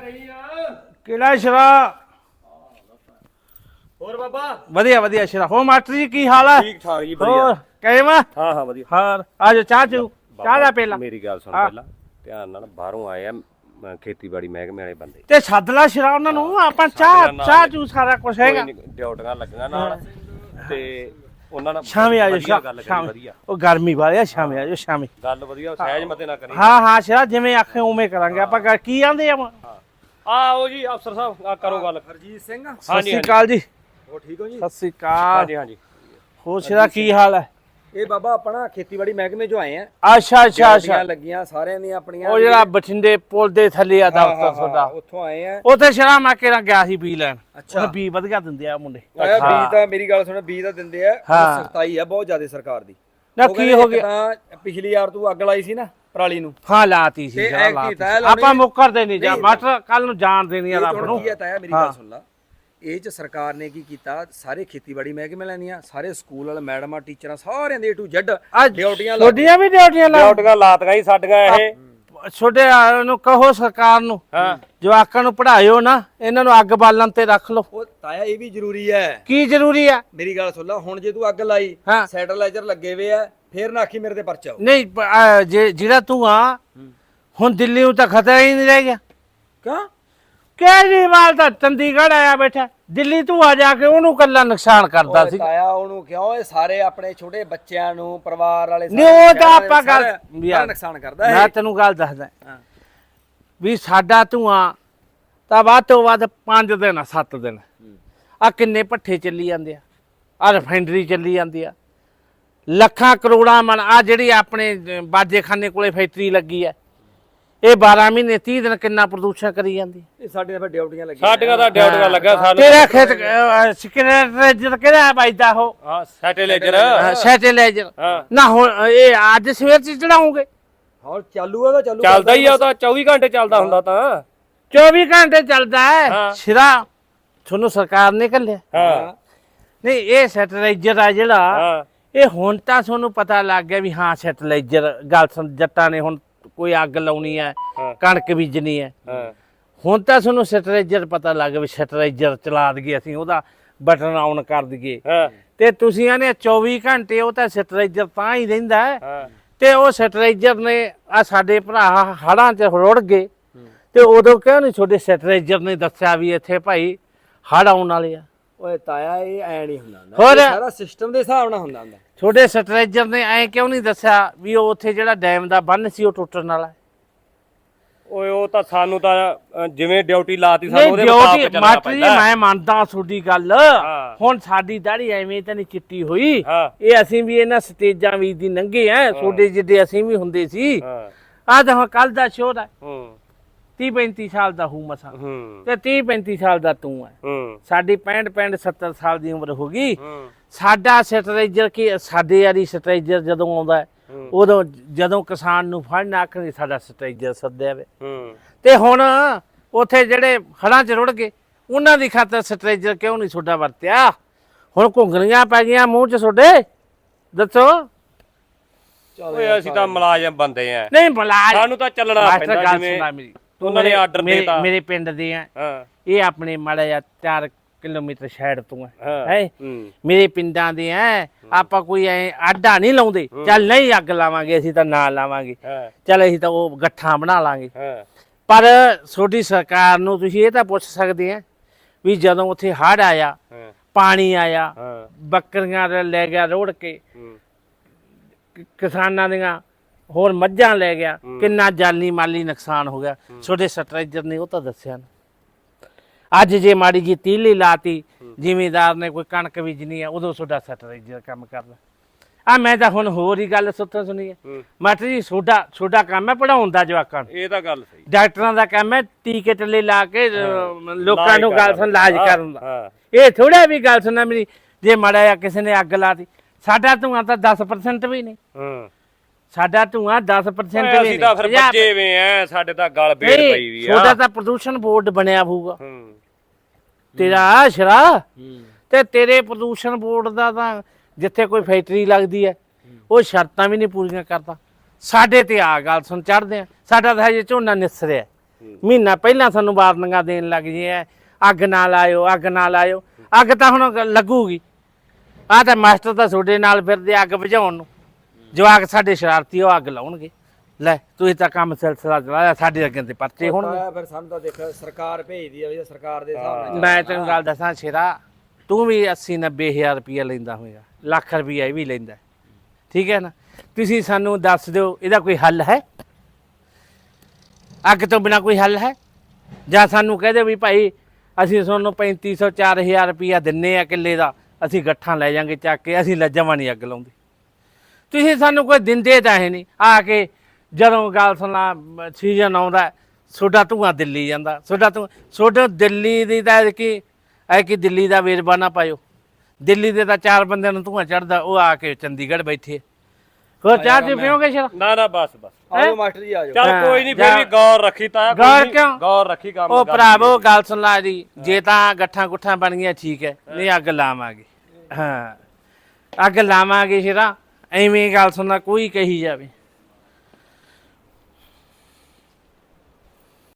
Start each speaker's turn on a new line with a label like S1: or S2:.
S1: ਕਿਹੜਾ ਸ਼ਰਾ
S2: ਹੋਰ ਬਾਬਾ
S1: ਵਧੀਆ ਵਧੀਆ ਸ਼ਰਾ ਹੋ ਮਾਸਟਰ ਜੀ ਕੀ ਹਾਲ ਹੈ
S2: ਠੀਕ ਠਾਕ ਜੀ
S1: ਹੋਰ ਕਿਵੇਂ
S2: ਹਾਂ ਹਾਂ ਵਧੀਆ
S1: ਹਾਂ ਆਜੋ ਚਾਹ ਦਾ ਪਹਿਲਾਂ
S2: ਮੇਰੀ ਗੱਲ ਸੁਣ ਪਹਿਲਾਂ ਧਿਆਨ ਨਾਲ ਬਾਹਰੋਂ ਆਏ ਆ ਖੇਤੀਬਾੜੀ ਮਹਿਕਮੇ ਵਾਲੇ ਬੰਦੇ
S1: ਤੇ ਸੱਦ ਲਾ ਸ਼ਰਾ ਉਹਨਾਂ ਨੂੰ ਆਪਾਂ ਚਾਹ ਚੂ ਸਾਰਾ ਕੁਝ ਹੈਗਾ
S2: ਡਿਊਟੀਆਂ ਲੱਗੀਆਂ ਨਾਲ ਤੇ ਉਹਨਾਂ ਨਾਲ
S1: ਸ਼ਾਮੇ ਆਜੋ
S2: ਗੱਲ ਕਰੀ
S1: ਸ਼ਾਮੇ
S2: ਵਧੀਆ
S1: ਉਹ ਗਰਮੀ ਵਾਲੀ ਆ ਸ਼ਾਮੇ ਆਜੋ ਸ਼ਾਮੇ
S2: ਗੱਲ ਵਧੀਆ ਸਹਿਜ ਮਤੇ ਨਾ ਕਰੀ
S1: ਹਾਂ ਸ਼ਰਾ ਜਿਵੇਂ ਆਖੇ ਉਵੇਂ ਕਰਾਂਗੇ ਆਪਾਂ ਕੀ ਆਂਦੇ ਆ
S2: ਆਓ ਜੀ ਅਫਸਰ ਸਾਹਿਬ ਆ ਕਰੋ ਗੱਲ ਹਰਜੀਤ ਸਿੰਘ
S1: ਸਤਿ ਸ਼੍ਰੀ ਅਕਾਲ ਜੀ
S2: ਹੋ ਠੀਕ ਹੋ ਜੀ
S1: ਸਤਿ ਸ਼੍ਰੀ ਅਕਾਲ
S2: ਹਾਂਜੀ ਹਾਂਜੀ
S1: ਹੋਰ ਸ਼ਰਾ ਕੀ ਹਾਲ ਹੈ
S2: ਇਹ ਬਾਬਾ ਆਪਣਾ ਖੇਤੀਬਾੜੀ ਮਹਿਕਮੇ ਚੋਂ ਆਏ ਆ
S1: ਅੱਛਾ
S2: ਲੱਗੀਆਂ ਸਾਰਿਆਂ ਦੀਆਂ ਆਪਣੀਆਂ
S1: ਉਹ ਜਿਹੜਾ ਬਠਿੰਡੇ ਪੁਲ ਦੇ ਥੱਲੇ ਆ ਦਫ਼ਤਰ ਤੁਹਾਡਾ
S2: ਉੱਥੋਂ ਆਏ ਆ
S1: ਉੱਥੇ ਸ਼ਰਾ ਮੈਂ ਕਿਹੜਾ ਗਿਆ ਸੀ ਬੀ ਲੈਣ ਉਹ ਬੀ ਵਧੀਆ ਦਿੰਦੇ ਆ ਮੁੰਡੇ
S2: ਆਇਆ ਬੀਜ ਤਾਂ ਮੇਰੀ ਗੱਲ ਸੁਣ ਬੀਜ ਤਾਂ ਦਿੰਦੇ ਆ ਸਖਤਾਈ ਆ ਬਹੁਤ ਜ਼ਿਆਦਾ ਸਰਕਾਰ ਦੀ
S1: ਨਾ ਕੀ ਹੋ ਗਿਆ
S2: ਤਾਂ ਪਿਛਲੀ ਵਾਰ ਤੂੰ ਅੱਗ ਲਾਈ ਸੀ ਨਾ ਪਰਾਲੀ ਨੂੰ
S1: ਹਾਂ ਲਾਤੀ ਸੀ ਆਪਾਂ ਮੁੱਕਰਦੇ ਨਹੀਂ ਜਾ ਮਾਸਟਰ ਕੱਲ ਨੂੰ ਜਾਣ ਦੇਣੀ ਆ ਰੱਬ ਨੂੰ
S2: ਕੀ ਹੈ ਮੇਰੀ ਗੱਲ ਸੁਣ ਲਾ ਇਹ ਚ ਸਰਕਾਰ ਨੇ ਕੀ ਕੀਤਾ ਸਾਰੇ ਖੇਤੀਬਾੜੀ ਮਹਿਕਮੇ ਲੈਣੀਆਂ ਸਾਰੇ ਸਕੂਲ ਵਾਲੇ ਮੈਡਮਾਂ ਟੀਚਰਾਂ ਸਾਰਿਆਂ ਦੇ A to Z ਡਿਊਟੀਆਂ
S1: ਛੋਡੀਆਂ ਵੀ ਡਿਊਟੀਆਂ
S2: ਲਾਤੀਆਂ ਹੀ ਸਾਡੀਆਂ ਇਹ
S1: ਛੋਟੇ ਨੂੰ ਕਹੋ ਸਰਕਾਰ ਨੂੰ ਜਵਾਕਾਂ ਨੂੰ ਪੜ੍ਹਾਇਓ ਨਾ ਇਹਨਾਂ ਨੂੰ ਅੱਗ ਬਾਲਣ ਤੇ ਰੱਖ ਲਓ
S2: ਉਹ ਤਾਇਆ ਇਹ ਵੀ ਜ਼ਰੂਰੀ ਹੈ
S1: ਕੀ ਜ਼ਰੂਰੀ ਆ
S2: ਮੇਰੀ ਗੱਲ ਸੁਣ ਲਾ ਹੁਣ ਜੇ ਤੂੰ ਅੱਗ ਲਾਈ ਸੈਟਲਾਈਜ਼ਰ ਲੱਗੇ ਵੇ ਆ ਫੇਰ ਨਾ ਆਖੀ ਮੇਰੇ ਤੇ ਪਰਚਾ
S1: ਨਹੀਂ ਜਿਹੜਾ ਤੂੰ ਆ ਹੁਣ ਦਿੱਲੀ ਨੂੰ ਤਾਂ ਖਤਰਾ ਹੀ ਨਹੀਂ ਰਹਿ ਗਿਆ
S2: ਕਿਉਂ
S1: ਕੇਜਰੀਵਾਲ ਤਾਂ ਚੰਡੀਗੜ੍ਹ ਆਇਆ ਬੈਠਾ ਦਿੱਲੀ ਤੂੰ ਆ ਜਾ ਕੇ ਉਹਨੂੰ ਕੱਲਾ ਨੁਕਸਾਨ ਕਰਦਾ ਸੀ
S2: ਤਾਇਆ ਉਹਨੂੰ ਕਿਉਂ ਇਹ ਸਾਰੇ ਆਪਣੇ ਛੋਟੇ ਬੱਚਿਆਂ ਨੂੰ ਪਰਿਵਾਰ ਵਾਲੇ
S1: ਨਹੀਂ ਉਹ ਤਾਂ ਆਪਾਂ ਗੱਲ
S2: ਨੁਕਸਾਨ ਕਰਦਾ
S1: ਮੈਂ ਤੈਨੂੰ ਗੱਲ ਦੱਸਦਾ ਵੀ ਸਾਡਾ ਧੂਆਂ ਤਾਂ ਵੱਧ ਤੋਂ ਵੱਧ 5 ਦਿਨ 7 ਦਿਨ ਆ ਕਿੰਨੇ ਭੱਠੇ ਚੱਲੀ ਜਾਂਦੇ ਆ ਰਿਫਾਈਨਰੀ ਚੱਲੀ ਜਾਂਦੀ ਆ ਲੱਖਾਂ ਕਰੋੜਾਂ ਮਨ ਆ ਜਿਹੜੀ ਆਪਣੇ ਬਾਜੇਖਾਨੇ ਕੋਲੇ ਫੈਕਟਰੀ ਲੱਗੀ ਆ ਇਹ 12 ਮਹੀਨੇ 30 ਦਿਨ ਕਿੰਨਾ ਪ੍ਰਦੂਸ਼ਣ ਕਰੀ ਜਾਂਦੀ
S2: ਇਹ ਸਾਡੇ ਤਾਂ ਡਿਊਟੀਆਂ ਲੱਗੀਆਂ ਸਾਡੀਆਂ ਤਾਂ ਡਿਊਟੀਆਂ ਲੱਗਾ ਸਾਨੂੰ
S1: ਤੇਰਾ ਖੇਤ ਸਿਕਰੇਟਰ ਕਿਹੜਾ ਬਾਈਦਾ ਉਹ
S2: ਹਾਂ ਸੈਟੇਲਾਈਜ਼ਰ
S1: ਨਾ ਹੁਣ ਇਹ ਅੱਜ ਸਵੇਰ ਚ ਚੜਾਉਂਗੇ
S2: ਹੋਰ ਚਾਲੂ ਆ ਤਾਂ ਚੱਲਦਾ ਹੀ ਆ ਉਹ ਤਾਂ 24 ਘੰਟੇ ਚੱਲਦਾ ਹੁੰਦਾ ਤਾਂ
S1: 24 ਘੰਟੇ ਚੱਲਦਾ ਹੈ ਸਿਰਾ ਤੁਹਾਨੂੰ ਸਰਕਾਰ ਨੇ ਘੱਲਿਆ ਨਹੀਂ ਇਹ ਸੈਟੇਲਾਈਜ਼ਰ ਆ ਜਿਹੜਾ ਇਹ ਹੁਣ ਤਾਂ ਤੁਹਾਨੂੰ ਪਤਾ ਲੱਗ ਗਿਆ ਵੀ ਹਾਂ ਸੈਟੇਲਾਈਜ਼ਰ ਗੱਲ ਜੱਟਾਂ ਨੇ ਹੁਣ ਕੋਈ ਅੱਗ ਲਾਉਣੀ ਹੈ ਕਣਕ ਬੀਜਣੀ ਹੈ ਹੁਣ ਤਾਂ ਤੁਹਾਨੂੰ ਸੈਟੇਲਾਈਜ਼ਰ ਪਤਾ ਲੱਗ ਗਿਆ ਵੀ ਸੈਟੇਲਾਈਜ਼ਰ ਚਲਾ ਦਈਏ ਅਸੀਂ ਉਹਦਾ ਬਟਨ ਆਨ ਕਰ ਦਈਏ ਤੇ ਤੁਸੀਂ ਆਨੇ 24 ਘੰਟੇ ਉਹ ਤਾਂ ਸੈਟੇਲਾਈਜ਼ਰ ਤਾਂ ਹੀ ਰਹਿੰਦਾ ਤੇ ਉਹ ਸੈਟੇਲਾਈਜ਼ਰ ਨੇ ਆ ਸਾਡੇ ਭਰਾ ਹੜਾਂ 'ਚ ਰੁੜ ਗਏ ਤੇ ਉਦੋਂ ਕਿਉਂ ਨਹੀਂ ਤੁਹਾਡੇ ਸੈਟੇਲਾਈਜ਼ਰ ਨੇ ਦੱਸਿਆ ਵੀ ਇੱਥੇ ਭਾਈ ਹੜ ਆਉਣ ਵਾਲੇ ਆ
S2: ਓਏ ਤਾਇਆ ਇਹ ਐ ਨਹੀਂ ਹੁੰਦਾ ਸਾਰਾ ਸਿਸਟਮ ਦੇ ਹਿਸਾਬ ਨਾਲ ਹੁੰਦਾ
S1: ਛੋਟੇ ਸਟ੍ਰੈਚਰ ਨੇ ਐ ਕਿਉਂ ਨਹੀਂ ਦੱਸਿਆ ਵੀ ਉਹ ਉੱਥੇ ਜਿਹੜਾ ਡੈਮ ਦਾ ਬੰਨ ਸੀ ਉਹ ਟੁੱਟਣ ਵਾਲਾ
S2: ਓਏ ਉਹ ਤਾਂ ਸਾਨੂੰ ਤਾਂ ਜਿਵੇਂ ਡਿਊਟੀ ਲਾਤੀ ਸਾਨੂੰ ਉਹਦੇ ਮੁਤਾਬਕ ਚੱਲਣਾ
S1: ਮਾਸਟਰ ਜੀ ਮੈਂ ਮੰਨਦਾ ਤੁਹਾਡੀ ਗੱਲ ਹੁਣ ਸਾਡੀ ਦਾੜੀ ਐਵੇਂ ਤਾਂ ਨਹੀਂ ਚਿੱਟੀ ਹੋਈ ਇਹ ਅਸੀਂ ਵੀ ਇਹਨਾਂ ਸਟੇਜਾਂ ਵੀ ਦੀ ਲੰਘੇ ਆ ਤੁਹਾਡੇ ਜਿੱਡੇ ਅਸੀਂ ਵੀ ਹੁੰਦੇ ਸੀ ਆਹ ਤਾਂ ਹੁਣ ਕੱਲ ਦਾ ਸ਼ੋਅ ਹੈ 30-35 ਸਾਲ ਦਾ ਹੂੰ ਮਸਾਂ ਤੇ 30-35 ਸਾਲ ਦਾ ਤੂੰ ਹੈ ਸਾਡੀ 65 70 ਸਾਲ ਦੀ ਉਮਰ ਹੋ ਗਈ ਸਾਡਾ ਸਟ੍ਰੈਚਰ ਕੀ ਸਾਡੇ ਵਾਲੀ ਸਟ੍ਰੈਚਰ ਜਦੋਂ ਆਉਂਦਾ ਉਦੋਂ ਜਦੋਂ ਕਿਸਾਨ ਨੂੰ ਫੜਨ ਆਖਣੀ ਸਾਡਾ ਸਟ੍ਰੈਚਰ ਸੱਦਿਆ ਵੇ ਤੇ ਹੁਣ ਉੱਥੇ ਜਿਹੜੇ ਹੜਾਂ 'ਚ ਰੁੜ ਗਏ ਉਹਨਾਂ ਦੀ ਖਾਤਰ ਸਟ੍ਰੈਚਰ ਕਿਉਂ ਨਹੀਂ ਤੁਹਾਡਾ ਵਰਤਿਆ ਹੁਣ ਘੁੰਗਣੀਆਂ ਪੈ ਗਈਆਂ ਮੂੰਹ 'ਚ ਤੁਹਾਡੇ ਦੱਸੋ ਓਏ
S2: ਅਸੀਂ ਤਾਂ ਮੁਲਾਜ਼ਮ ਬੰਦੇ ਆ
S1: ਨਹੀਂ ਮੁਲਾਜ਼ਮ
S2: ਸਾਨੂੰ ਤਾਂ ਚੱਲਣਾ ਪੈਂਦਾ ਜਿਵੇਂ ਉਹਨਾਂ ਨੇ ਆਰਡਰ ਦੇਤਾ
S1: ਮੇਰੇ ਪਿੰਡ ਦੇ ਆ ਇਹ ਆਪਣੇ ਮਾੜਾ ਜਿਹਾ 4 ਕਿਲੋਮੀਟਰ ਸਾਈਡ ਤੋਂ ਹੈ ਮੇਰੇ ਪਿੰਡਾਂ ਦੇ ਆ ਆਪਾਂ ਕੋਈ ਐ ਆਡਾ ਨਹੀਂ ਲਾਉਂਦੇ ਚੱਲ ਨਹੀਂ ਅੱਗ ਲਾਵਾਂਗੇ ਅਸੀਂ ਤਾਂ ਨਾ ਲਾਵਾਂਗੇ ਚੱਲ ਅਸੀਂ ਤਾਂ ਉਹ ਗੱਠਾਂ ਬਣਾ ਲਾਂਗੇ ਪਰ ਛੋਟੀ ਸਰਕਾਰ ਨੂੰ ਤੁਸੀਂ ਇਹ ਤਾਂ ਪੁੱਛ ਸਕਦੇ ਆ ਵੀ ਜਦੋਂ ਉੱਥੇ ਹੜ੍ਹ ਆਇਆ ਪਾਣੀ ਆਇਆ ਬੱਕਰੀਆਂ ਲੈ ਗਿਆ ਰੋੜ ਕੇ ਕਿਸਾਨਾਂ ਦੀਆਂ ਹੋਰ ਮੱਝਾਂ ਲੈ ਗਿਆ ਕਿੰਨਾ ਜਾਨੀ ਮਾਲੀ ਨੁਕਸਾਨ ਹੋ ਗਿਆ ਛੋਟੇ ਸਟ੍ਰੈਚਰ ਨੇ ਉਹ ਤਾਂ ਦੱਸਿਆ ਨਾ ਅੱਜ ਜੇ ਮਾੜੀ ਜੀ ਤੀਲੀ ਲਾਤੀ ਜ਼ਿਮੀਦਾਰ ਨੇ ਕੋਈ ਕਣਕ ਬੀਜਣੀ ਆ ਉਦੋਂ ਤੁਹਾਡਾ ਸਟ੍ਰੈਚਰ ਕੰਮ ਕਰਦਾ ਆ ਮੈਂ ਤਾਂ ਹੁਣ ਹੋਰ ਹੀ ਗੱਲ ਸੁਣੀ ਹੈ ਮਾਸਟਰ ਜੀ ਤੁਹਾਡਾ ਕੰਮ ਹੈ ਪੜਾਉਣ ਦਾ ਜਵਾਕਾਂ ਨੂੰ
S2: ਇਹ ਤਾਂ ਗੱਲ ਸਹੀ
S1: ਡਾਕਟਰਾਂ ਦਾ ਕੰਮ ਹੈ ਟੀਕੇ ਟੱਲੇ ਲਾ ਕੇ ਲੋਕਾਂ ਨੂੰ ਗੱਲ ਸੁਣ ਇਲਾਜ ਕਰਨ ਦਾ ਇਹ ਥੋੜਾ ਵੀ ਗੱਲ ਸੁਣਨਾ ਮੇਰੀ ਜੇ ਮਾੜਾ ਜਿਹਾ ਕਿਸੇ ਨੇ ਅੱਗ ਲਾਤੀ ਸਾਡਾ ਧੂਆਂ ਤਾਂ 10% ਵੀ ਨਹੀਂ ਸਾਡਾ ਧੂਆਂ 10% ਵੀ
S2: ਅਸੀਂ ਤਾਂ ਫਿਰ ਬੱਜੇ ਵੇ ਆ ਸਾਡੇ ਤਾਂ ਗਲ ਬੇੜ ਪਈ ਵੀ ਆ
S1: ਤੁਹਾਡਾ ਤਾਂ ਪ੍ਰਦੂਸ਼ਣ ਬੋਰਡ ਬਣਿਆ ਹੋਊਗਾ ਤੇਰਾ ਸ਼ਰਾ ਤੇ ਤੇਰੇ ਪ੍ਰਦੂਸ਼ਣ ਬੋਰਡ ਦਾ ਤਾਂ ਜਿੱਥੇ ਕੋਈ ਫੈਕਟਰੀ ਲੱਗਦੀ ਹੈ ਉਹ ਸ਼ਰਤਾਂ ਵੀ ਨਹੀਂ ਪੂਰੀਆਂ ਕਰਦਾ ਸਾਡੇ ਤੇ ਆ ਗੱਲ ਸੁਣ ਚੜਦੇ ਆ ਸਾਡਾ ਤਾਂ ਹਜੇ ਝੋਨਾ ਨਿਸਰਿਆ ਮਹੀਨਾ ਪਹਿਲਾਂ ਸਾਨੂੰ ਵਾਰਨਿੰਗਾਂ ਦੇਣ ਲੱਗ ਜੇ ਐ ਅੱਗ ਨਾ ਲਾਇਓ ਅੱਗ ਨਾ ਲਾਇਓ। ਅੱਗ ਤਾਂ ਹੁਣ ਲੱਗੂਗੀ। ਆਹ ਤਾਂ ਮਾਸਟਰ ਤਾਂ ਤੁਹਾਡੇ ਨਾਲ ਫਿਰਦੇ ਅੱਗ ਬੁਝਾਉਣ ਨੂੰ। ਜਵਾਕ ਸਾਡੇ ਸ਼ਰਾਰਤੀ ਉਹ ਅੱਗ ਲਾਉਣਗੇ। ਲੈ ਤੁਸੀਂ ਤਾਂ ਕੰਮ ਸਿਲਸਿਲਾ ਚਲਾਇਆ ਸਾਡੇ ਅੱਗੇ ਤੇ ਪਰਚੇ ਹੋਣਗੇ।
S2: ਫਿਰ ਸਾਨੂੰ ਤਾਂ ਦੇਖ ਸਰਕਾਰ ਭੇਜਦੀ ਆ ਵੀ ਸਰਕਾਰ ਦੇ ਹਿਸਾਬ ਨਾਲ
S1: ਮੈਂ ਤੈਨੂੰ ਗੱਲ ਦੱਸਾਂ ਸ਼ੇਰਾ, ਤੂੰ ਵੀ 80-90 ਹਜ਼ਾਰ ਰੁਪਇਆ ਲੈਂਦਾ ਹੋਏਗਾ, ਲੱਖ ਰੁਪਇਆ ਇਹ ਵੀ ਲੈਂਦਾ, ਠੀਕ ਹੈ ਨਾ। ਤੁਸੀਂ ਸਾਨੂੰ ਦੱਸ ਦਿਓ ਇਹਦਾ ਕੋਈ ਹੱਲ ਹੈ? ਅੱਗ ਤੋਂ ਬਿਨਾ ਕੋਈ ਹੱਲ ਹੈ? ਜਾਂ ਸਾਨੂੰ ਕਹਿ ਦਿਓ ਵੀ ਭਾਈ ਅਸੀਂ ਤੁਹਾਨੂੰ 3500-4000 ਰੁਪਇਆ ਦਿੰਨੇ ਆ ਕਿੱਲੇ ਦਾ, ਅਸੀਂ ਗੱਠਾਂ ਲੈ ਜਾਾਂਗੇ ਚੱਕ ਕੇ, ਅਸੀਂ ਲੱਜਵਾਂ ਨਹੀਂ ਅੱਗ ਲਾਉਂਦੇ। ਤੁਸੀਂ ਸਾਨੂੰ ਕੋਈ ਦਿੰਦੇ ਤਾਂ ਹੈ ਨਹੀਂ। ਆ ਕੇ ਜਦੋਂ ਗੱਲ ਸੁਣਾ ਸੀਜ਼ਨ ਆਉਂਦਾ ਤੁਹਾਡਾ ਧੂੰਆਂ ਦਿੱਲੀ ਜਾਂਦਾ, ਤੁਹਾਡਾ ਦਿੱਲੀ ਦੀ ਤਾਂ ਕਿ ਦਿੱਲੀ ਦਾ ਵੇਰਵਾ ਨਾ ਪਾਇਓ। ਦਿੱਲੀ ਦੇ ਤਾਂ 4 ਬੰਦਿਆਂ ਨੂੰ ਧੂੰਆਂ ਚੜਦਾ, ਉਹ ਆ ਕੇ ਚੰਡੀਗੜ੍ਹ ਬੈਠੇ। ਹੋਰ ਚਾਹ ਚ ਪੀਓਗੇ ਸ਼ਰ?
S3: ਨਾ ਬਸ
S2: ਆਜੋ ਮਾਸਟਰ ਜੀ ਆਜੋ।
S3: ਚੱਲ ਕੋਈ ਨਹੀਂ, ਫਿਰ ਵੀ ਗੌਰ ਰੱਖੀ ਤਾਂ
S1: ਗੌਰ ਕਿਉਂ?
S3: ਗੌਰ ਰੱਖੀ ਕੰਮ
S1: ਉਹ ਭਰਾਵੋ ਗੱਲ ਸੁਣ ਲਾ ਜੀ, ਜੇ ਤਾਂ ਗੱਠਾਂ ਗੁੱਠਾਂ ਬਣ ਗਈਆਂ ਠੀਕ ਹੈ, ਨਹੀਂ ਅੱਗ ਲਾਵਾਂਗੇ। ਹਾਂ ਅੱਗ ਲਾਵਾਂਗੇ ਸ਼ੇਰਾ, ਐਵੇਂ ਗੱਲ ਸੁਣਨਾ ਕੋਈ ਕਹੀ ਜਾਵੇ।